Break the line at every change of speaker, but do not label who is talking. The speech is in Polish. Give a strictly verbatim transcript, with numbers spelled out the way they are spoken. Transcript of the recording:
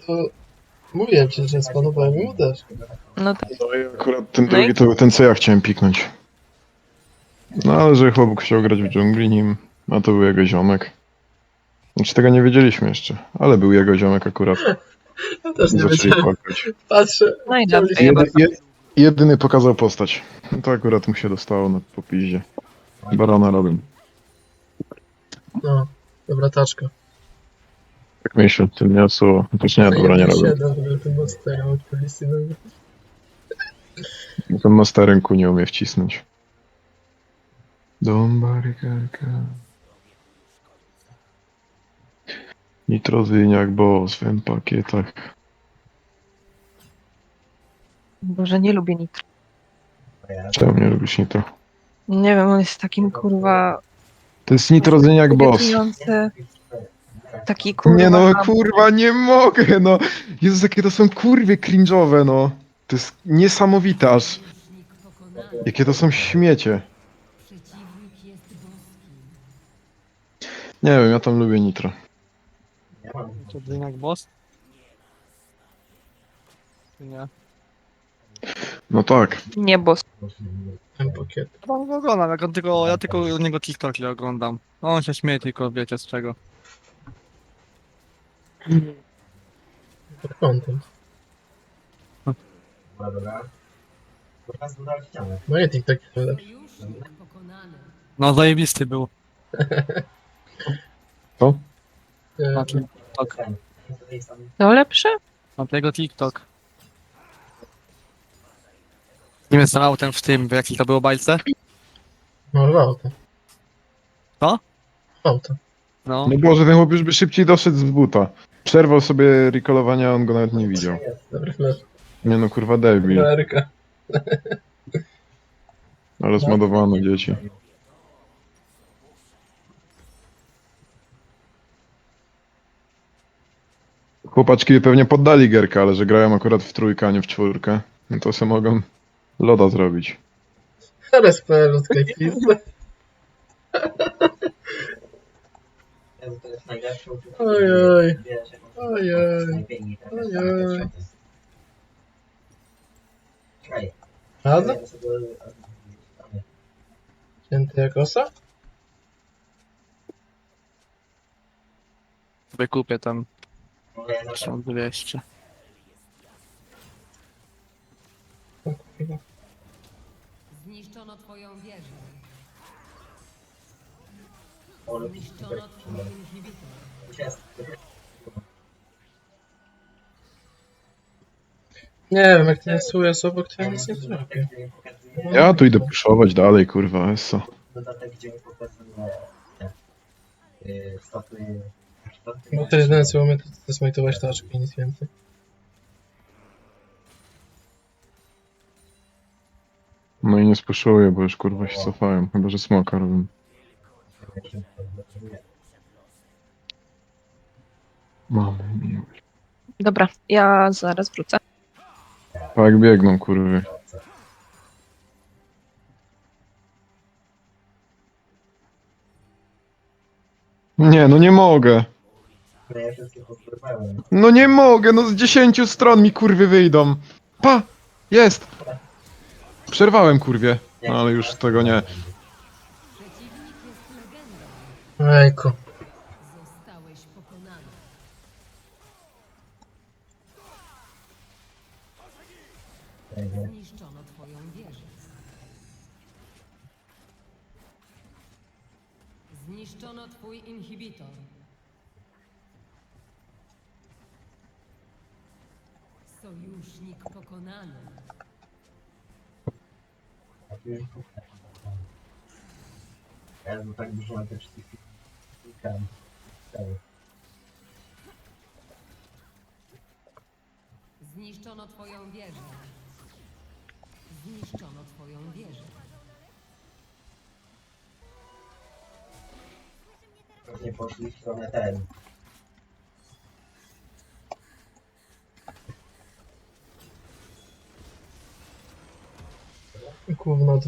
To mówiłem ci, że spanowałem mu też.
No tak.
No i akurat ten
No i-
drugi to był ten, co ja chciałem piknąć. No ale że chłop chciał grać w dżungli nim, a to był jego ziomek. Znaczy tego nie wiedzieliśmy jeszcze, ale był jego ziomek akurat.
Ja też
I
nie
zaczęli
wiedziałem.
płakać.
Patrzę.
No i
chciałem
dobrze,
się-
ja
Jedy, je, jedyny pokazał postać. No to akurat mu się dostało na popiździe. Barona robię.
No, dobra taczka.
Tak myślę, tym nie słowo. Też nie, dobra, nie robię.
siedem, tym monsterem odpowiedzi.
Ten masterem ku nie umie wcisnąć. Dom barykarka. Nitrozyniak, bo w swym pakietach.
Boże, nie lubię nitro.
Czemu nie lubisz nitro?
Nie wiem, on jest takim kurwa
To jest nitrozyniak boss.
irytujący. Taki kurwa.
Nie no, kurwa, nie mogę, no. Jezus, jakie to są kurwie cringe'owe, no. To jest niesamowite aż. Jakie to są śmiecie. Nie wiem, ja tam lubię nitro.
To jak boss? Czy nie?
No tak.
Nie, boss.
Ten pakiet.
No go oglądam, jak on tylko, ja tylko u niego TikToki oglądam. No, on się śmieje tylko, wiecie z czego.
Pod kątem. No i TikTok lepszy.
No zajebisty był.
Co?
E,
Na TikTok.
To lepsze?
Na tego TikTok. Nie wiem, ten autem w tym, w jakiej to było bajce?
No, w auto.
Co?
W auto.
No.
No Boże, ten chłop już by szybciej doszedł z buta. Przerwał sobie recallowania, on go nawet nie widział.
Dobry flash.
Nie no, kurwa debil.
Ameryka.
Ale zmodowano dzieci. Chłopaczki pewnie poddali gierkę, ale że grają akurat w trójkę, a nie w czwórkę, no to se mogą loda zrobić.
R S P od Kajpizdy. Ojoj. Ojoj. Ojoj. Rada? Święty jak osa?
Wykupię tam. Są dwieście.
O kurwa.
Zniszczono twoją wieżę. Zniszczono twój inhibitor.
Nie wiem, jak ten Su jest obok, to ja nic nie zrobię.
Ja tu idę puszować dalej, kurwa, eso.
Dodatek, gdzie pokazuje te y, staty.
Bo to jedyne co umie, to zesmajtować taczki, nic więcej.
No i nie spuszuję, bo już kurwa się cofają, chyba że smoka robią. Mamy miłość.
Dobra, ja zaraz wrócę.
Tak biegną, kurwy. Nie, no nie mogę.
No ja wszystkie pozbywałem.
No nie mogę, no z dziesięciu stron mi kurwy wyjdą. Pa! Jest! Przerwałem kurwie, no ale już tego nie.
Ejku.
Zostałeś pokonany. Zniszczono twoją wieżę. Zniszczono twój inhibitor. Sojusznik pokonany.
Ja bym tak dużo na te wszystkie klikałem.
Zniszczono twoją wieżę. Zniszczono twoją wieżę.
Nie poszli w stronę ten.
Gówno